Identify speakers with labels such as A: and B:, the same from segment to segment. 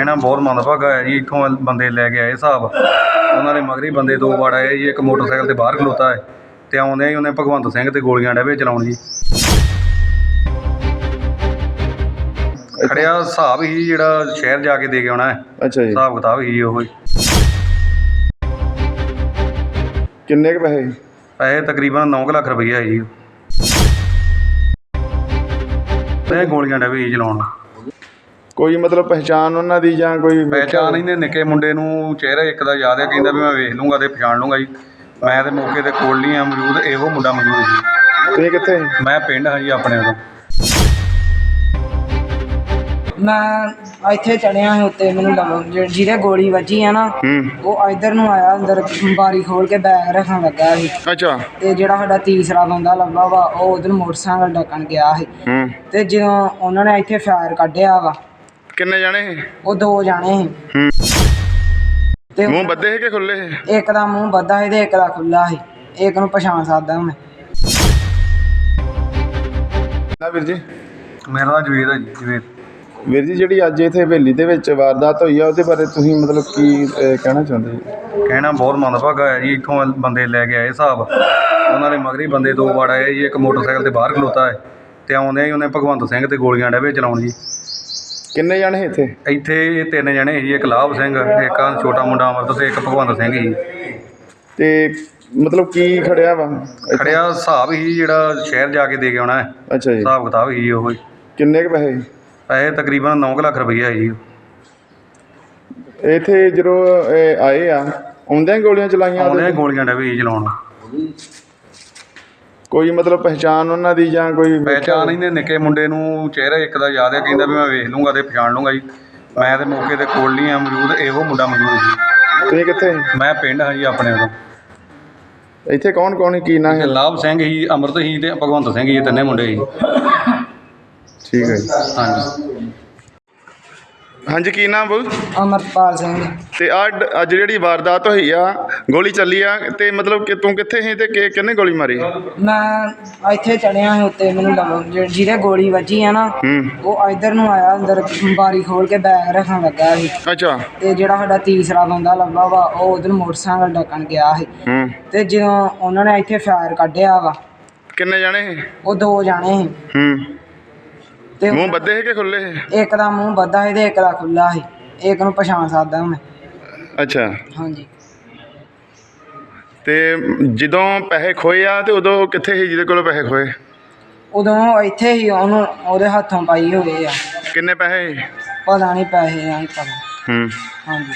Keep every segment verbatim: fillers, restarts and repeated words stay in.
A: ਕਹਿਣਾ ਬਹੁਤ ਮੰਦਭਾਗਾ ਹੈ ਜੀ। ਇੱਥੋਂ ਬੰਦੇ ਲੈ ਕੇ ਆਏ ਹਿਸਾਬ, ਉਹਨਾਂ ਦੇ ਮਗਰ ਹੀ ਬੰਦੇ ਦੋ ਵਾਰ ਆਏ ਜੀ। ਇੱਕ ਮੋਟਰਸਾਈਕਲ ਤੇ ਬਾਹਰ ਖਲੋਤਾ ਹੈ ਤੇ ਆਉਂਦੇ ਹੀ ਉਹਨੇ ਭਗਵੰਤ ਸਿੰਘ ਤੇ ਗੋਲੀਆਂ ਡੇਵੇ ਚਲਾਉਣ ਜੀ। ਖੜਿਆ ਹਿਸਾਬ ਹੀ ਜਿਹੜਾ ਸ਼ਹਿਰ ਜਾ ਕੇ ਦੇ ਕੇ ਆਉਣਾ ਹੈ।
B: ਅੱਛਾ ਜੀ,
A: ਹਿਸਾਬ ਕਿਤਾਬ ਹੀ ਉਹ ਹੀ।
B: ਕਿੰਨੇ ਕੁ ਪੈਸੇ?
A: ਪੈਸੇ ਤਕਰੀਬਨ ਨੌ ਕੁ ਲੱਖ ਰੁਪਈਆ ਹੈ ਜੀ। ਤੇ ਗੋਲੀਆਂ ਡੇਵੇ ਹੀ ਚਲਾਉਣ।
B: ਕੋਈ ਮਤਲਬ ਪਹਿਚਾਣ ਉਹਨਾਂ ਦੀ ਜਾਂ ਕੋਈ
A: ਪਹਿਚਾਣ ਇਹਨੇ ਨਿੱਕੇ ਮੁੰਡੇ ਨੂੰ ਚਿਹਰਾ ਇੱਕ ਦਾ ਯਾਦ ਹੈ, ਕਹਿੰਦਾ ਵੀ ਮੈਂ ਵੇਖ ਲੂੰਗਾ ਤੇ ਪਛਾਣ ਲੂੰਗਾ ਜੀ। ਮੈਂ ਤੇ ਮੌਕੇ ਤੇ ਕੋਲ ਨਹੀਂ ਆ ਮੌਜੂਦ, ਇਹੋ ਮੁੰਡਾ ਮੌਜੂਦ ਜੀ।
B: ਤੁਸੀਂ ਕਿੱਥੇ?
A: ਮੈਂ ਪਿੰਡ ਹਾਂ ਜੀ ਆਪਣੇ ਉਦੋਂ।
C: ਮੈਂ ਇੱਥੇ ਚੜਿਆ ਸੀ ਉੱਤੇ, ਮੈਨੂੰ ਲੱਗ ਜਿਹਦੇ ਗੋਲੀ ਵੱਜੀ ਆ ਨਾ ਉਹ ਇੱਧਰ ਨੂੰ ਆਇਆ, ਅੰਦਰ ਬਾਰੀ ਖੋਲ ਕੇ ਬੈਗ ਰੱਖਣ ਲੱਗਾ ਸੀ।
B: ਅੱਛਾ।
C: ਤੇ ਜਿਹੜਾ ਸਾਡਾ ਤੀਸਰਾ ਬੰਦਾ ਲੱਭਾ ਵਾ ਉਹ ਉਧਰ ਮੋਟਰਸਾਈਕਲ ਡੱਕਣ ਗਿਆ ਸੀ ਤੇ ਜਦੋਂ ਉਹਨਾਂ ਨੇ ਇੱਥੇ ਫਾਇਰ ਕੱਢਿਆ ਵਾ।
B: ਕਿੰਨੇ ਜਾਣੇ?
C: ਉਹ ਦੋ ਜਾਣੇ ਸੀ। ਤੇ
B: ਮੂੰਹ ਬੱਧੇ ਸੀ ਕਿ ਖੁੱਲੇ ਸੀ?
C: ਇੱਕ ਦਾ ਮੂੰਹ ਬੱਧਾ ਸੀ ਤੇ ਇੱਕ ਦਾ ਖੁੱਲਾ ਸੀ। ਇੱਕ ਨੂੰ ਪਛਾਣ ਸਕਦਾ ਮੈਂ।
B: ਨਾ ਵੀਰ ਜੀ,
A: ਮੇਰਾ ਨਾਂ ਜਵੇਦ ਹੈ ਜੀ। ਜਵੇਦ
B: ਵੀਰ ਜੀ, ਜਿਹੜੀ ਅੱਜ ਇੱਥੇ ਹਵੇਲੀ ਦੇ ਵਿੱਚ ਵਾਰਦਾਤ ਹੋਈ ਆ ਉਹਦੇ ਬਾਰੇ ਤੁਸੀਂ ਮਤਲਬ ਕੀ ਅਹ, ਕਹਿਣਾ ਚਾਹੁੰਦੇ ਜੀ?
A: ਕਹਿਣਾ ਬਹੁਤ ਮੰਦਭਾਗਾ ਹੈ ਜੀ। ਇੱਥੋਂ ਬੰਦੇ ਲੈ ਕੇ ਆਏ ਹਿਸਾਬ, ਉਹਨਾਂ ਦੇ ਮਗਰ ਹੀ ਬੰਦੇ ਦੋ ਵਾਰ ਆਏ ਜੀ। ਇੱਕ ਮੋਟਰਸਾਈਕਲ ਤੇ ਬਾਹਰ ਖਲੋਤਾ ਹੈ ਤੇ ਆਉਂਦੇ ਹੀ ਉਹਨੇ ਭਗਵੰਤ ਸਿੰਘ ਤੇ ਗੋਲੀਆਂ ਡੇਵੇ ਚਲਾਉਣ ਜੀ।
B: ਕਿੰਨੇ ਜਾਣੇ ਸੀ ਇੱਥੇ?
A: ਇੱਥੇ ਇਹ ਤਿੰਨ ਜਣੇ ਸੀ। ਇੱਕ ਲਾਭ ਸਿੰਘ, ਇੱਕ ਆਹ ਛੋਟਾ ਮੁੰਡਾ ਅਮਰਤ ਤੇ ਇੱਕ ਭਗਵੰਤ ਸਿੰਘ ਜੀ।
B: ਤੇ ਮਤਲਬ ਕੀ ਖੜਿਆ ਵਾ?
A: ਖੜਿਆ ਹਿਸਾਬ ਹੀ ਜਿਹੜਾ ਸ਼ਹਿਰ ਜਾ ਕੇ ਦੇ ਕੇ ਆਉਣਾ ਹੈ।
B: ਅੱਛਾ ਜੀ।
A: ਹਿਸਾਬ ਕਿਤਾਬ ਹੀ ਉਹ ਹੀ।
B: ਕਿੰਨੇ ਕੁ ਪੈਸੇ?
A: ਪੈਸੇ ਤਕਰੀਬਨ ਨੌ ਕੁ ਲੱਖ ਰੁਪਈਆ ਹੈ ਜੀ।
B: ਇੱਥੇ ਜਦੋਂ ਇਹ ਆਏ ਆ ਆਉਂਦਿਆਂ ਗੋਲੀਆਂ ਚਲਾਈਆਂ?
A: ਆਉਂਦੇ ਗੋਲੀਆਂ ਡੇਵੇ ਹੀ ਚਲਾਉਣ।
B: ਕੋਈ ਮਤਲਬ ਪਹਿਚਾਣ ਉਹਨਾਂ ਦੀ ਜਾਂ ਕੋਈ
A: ਪਹਿਚਾਣ ਇਹਨੇ ਨਿੱਕੇ ਮੁੰਡੇ ਨੂੰ ਚਿਹਰਾ ਇੱਕ ਦਾ ਯਾਦ ਹੈ, ਕਹਿੰਦਾ ਵੀ ਮੈਂ ਵੇਖ ਲੂੰਗਾ ਤੇ ਪਛਾਣ ਲੂੰਗਾ ਜੀ। ਮੈਂ ਤੇ ਮੌਕੇ ਤੇ ਕੋਲ ਨਹੀਂ ਆ ਮੌਜੂਦ, ਇਹੋ ਮੁੰਡਾ ਮੌਜੂਦ ਜੀ।
B: ਤੁਸੀਂ ਕਿੱਥੇ?
A: ਮੈਂ ਪਿੰਡ ਹਾਂ ਜੀ ਆਪਣੇ ਉਦੋਂ।
B: ਇੱਥੇ ਕੌਣ ਕੌਣ ਸੀ, ਕੀ ਨਾਂ ਹੈ?
A: ਲਾਭ ਸਿੰਘ ਸੀ, ਅਮਰਤ ਸੀ ਤੇ ਭਗਵੰਤ ਸਿੰਘ ਜੀ, ਤਿੰਨੇ ਮੁੰਡੇ ਸੀ।
B: ਠੀਕ ਹੈ ਜੀ।
A: ਹਾਂਜੀ
B: ਹਾਂਜੀ, ਕੀ ਨਾਮ ਬੋਲ?
C: ਅਮਰਪਾਲ ਸਿੰਘ।
B: ਤੇ ਆ ਅੱਜ ਜਿਹੜੀ ਵਾਰਦਾਤ ਹੋਈ ਆ, ਗੋਲੀ ਚੱਲੀ ਆ, ਤੇ ਮਤਲਬ ਕਿ ਤੂੰ ਕਿੱਥੇ ਸੀ ਤੇ ਕਿ ਕਿਹਨੇ ਗੋਲੀ ਮਾਰੀ?
C: ਮੈਂ ਇੱਥੇ ਚੜਿਆ ਸੀ ਉੱਤੇ, ਮੈਨੂੰ ਲੱਗ ਜਿਹਦੇ ਗੋਲੀ ਵੱਜੀ ਆ ਨਾ ਉਹ ਇੱਧਰ ਨੂੰ ਆਇਆ, ਅੰਦਰ ਬਾਰੀ ਖੋਲ ਕੇ ਬੈਗ ਰੱਖਣ ਲੱਗਾ ਸੀ।
B: ਅੱਛਾ।
C: ਤੇ ਜਿਹੜਾ ਸਾਡਾ ਤੀਸਰਾ ਬੰਦਾ ਲੱਭਾ ਵਾ ਉਹ ਉਧਰ ਮੋਟਰਸਾਈਕਲ ਡੱਕਣ ਗਿਆ ਸੀ ਤੇ ਜਦੋਂ ਉਹਨਾਂ ਨੇ ਇੱਥੇ ਫਾਇਰ ਕੱਢਿਆ ਵਾ।
B: ਕਿੰਨੇ ਜਾਣੇ ਸੀ?
C: ਉਹ ਦੋ ਜਾਣੇ ਸੀ।
B: ਹੂੰ।
C: ਤੇ
B: ਮੂੰਹ ਬੱਧੇ ਸੀ ਕਿ ਖੁੱਲੇ ਸੀ?
C: ਇੱਕ ਦਾ ਮੂੰਹ ਬੱਧਾ ਸੀ ਤੇ ਇੱਕ ਦਾ ਖੁੱਲਾ ਸੀ। ਇੱਕ ਨੂੰ ਪਛਾਣ ਸਕਦਾ ਮੈਂ।
B: ਅੱਛਾ।
C: ਹਾਂਜੀ।
B: ਤੇ ਜਦੋਂ ਪੈਸੇ ਖੋਏ ਆ ਤੇ ਉਦੋਂ ਕਿੱਥੇ ਸੀ ਜਿਹਦੇ ਕੋਲੋਂ ਪੈਸੇ ਖੋਏ?
C: ਉਦੋਂ ਇੱਥੇ ਹੀ ਉਹਨੂੰ ਉਹਦੇ ਹੱਥੋਂ ਪਾਈ ਹੋਏ ਆ।
B: ਕਿੰਨੇ ਪੈਸੇ?
C: ਪਤਾ ਨਹੀਂ ਪੈਸੇ ਆ, ਨਹੀਂ ਪਤਾ।
B: ਹੂੰ।
C: ਹਾਂਜੀ।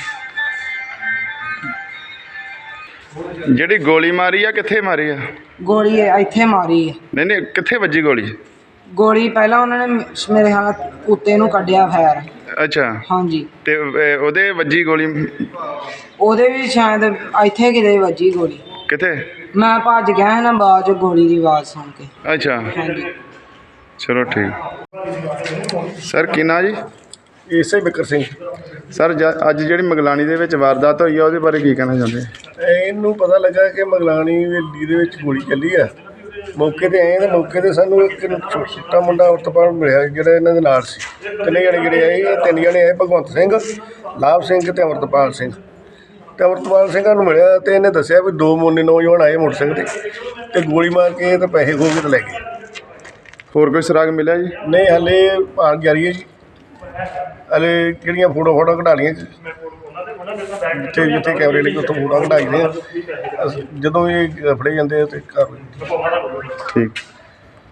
B: ਜਿਹੜੀ ਗੋਲੀ ਮਾਰੀ ਆ ਕਿੱਥੇ ਮਾਰੀ ਆ?
C: ਗੋਲੀ ਇੱਥੇ ਮਾਰੀ ਆ।
B: ਨਹੀਂ ਨਹੀਂ, ਕਿੱਥੇ ਵੱਜੀ ਗੋਲੀ?
C: ਗੋਲੀ ਪਹਿਲਾਂ ਉਹਨਾਂ ਨੇ ਮੇਰੇ ਖਿਆਲ ਉੱਤੇ ਨੂੰ ਕੱਢਿਆ ਫਾਇਰ।
B: ਅੱਛਾ।
C: ਹਾਂਜੀ।
B: ਤੇ ਅਹ, ਉਹਦੇ ਵੱਜੀ ਗੋਲੀ?
C: ਉਹਦੇ ਵੀ ਸ਼ਾਇਦ ਇੱਥੇ ਕਿਤੇ ਵੱਜੀ ਗੋਲੀ।
B: ਕਿੱਥੇ?
C: ਮੈਂ ਭੱਜ ਗਿਆ ਸੀ ਨਾ ਬਾਅਦ ਚ ਗੋਲੀ ਦੀ ਆਵਾਜ਼ ਸੁਣ ਕੇ।
B: ਅੱਛਾ।
C: ਹਾਂਜੀ।
B: ਚਲੋ ਠੀਕ। ਸਰ ਕੀ ਨਾਂ ਜੀ?
D: ਇਸੇ ਬਿਕਰ ਸਿੰਘ।
B: ਸਰ ਅੱਜ ਜਿਹੜੀ ਮਗਲਾਣੀ ਦੇ ਵਿੱਚ ਵਾਰਦਾਤ ਹੋਈ ਆ ਉਹਦੇ ਬਾਰੇ ਕੀ ਕਹਿਣਾ ਚਾਹੁੰਦੇ?
D: ਇਹਨੂੰ ਪਤਾ ਲੱਗਾ ਕਿ ਮਗਲਾਣੀ ਹਵੇਲੀ ਦੇ ਵਿੱਚ ਗੋਲੀ ਚੱਲੀ ਆ। ਮੌਕੇ 'ਤੇ ਆਏ ਤਾਂ ਮੌਕੇ 'ਤੇ ਸਾਨੂੰ ਇੱਕ ਛੋਟਾ ਮੁੰਡਾ ਉਤਪਾਲ ਮਿਲਿਆ ਜਿਹੜਾ ਇਹਨਾਂ ਦੇ ਨਾਲ ਸੀ। ਤਿੰਨੇ ਜਣੇ ਜਿਹੜੇ ਆਏ, ਇਹ ਤਿੰਨ ਜਣੇ ਆਏ, ਭਗਵੰਤ ਸਿੰਘ, ਲਾਭ ਸਿੰਘ ਅਤੇ ਅਮਰਤਪਾਲ ਸਿੰਘ। ਅਤੇ ਅਮਰਤਪਾਲ ਸਿੰਘਾਂ ਨੂੰ ਮਿਲਿਆ ਅਤੇ ਇਹਨੇ ਦੱਸਿਆ ਵੀ ਦੋ ਮੋਨੇ ਨੌਜਵਾਨ ਆਏ ਮੋਟਰਸਾਈਕਲ 'ਤੇ ਅਤੇ ਗੋਲੀ ਮਾਰ ਕੇ ਅਤੇ ਪੈਸੇ ਖੋਹ ਕੇ ਤੇ ਲੈ ਗਏ।
B: ਹੋਰ ਕੋਈ ਸੁਰਾਗ ਮਿਲਿਆ ਜੀ?
D: ਨਹੀਂ, ਹਾਲੇ ਭਾਲ ਜਾਰੀ ਹੈ ਜੀ। ਹਾਲੇ ਕਿਹੜੀਆਂ ਫੋਟੋ ਫੋਟੋ ਕਢਾ ਲਈਆਂ ਜਿੱਥੇ ਜਿੱਥੇ ਕੈਮਰੇ ਲੱਗੇ ਉੱਥੋਂ ਫੋਟੋ ਕਢਾਈ ਦੀਆਂ। ਜਦੋਂ ਇਹ ਫੜੇ ਜਾਂਦੇ ਆ ਅਤੇ ਕਰ
B: ਠੀਕ।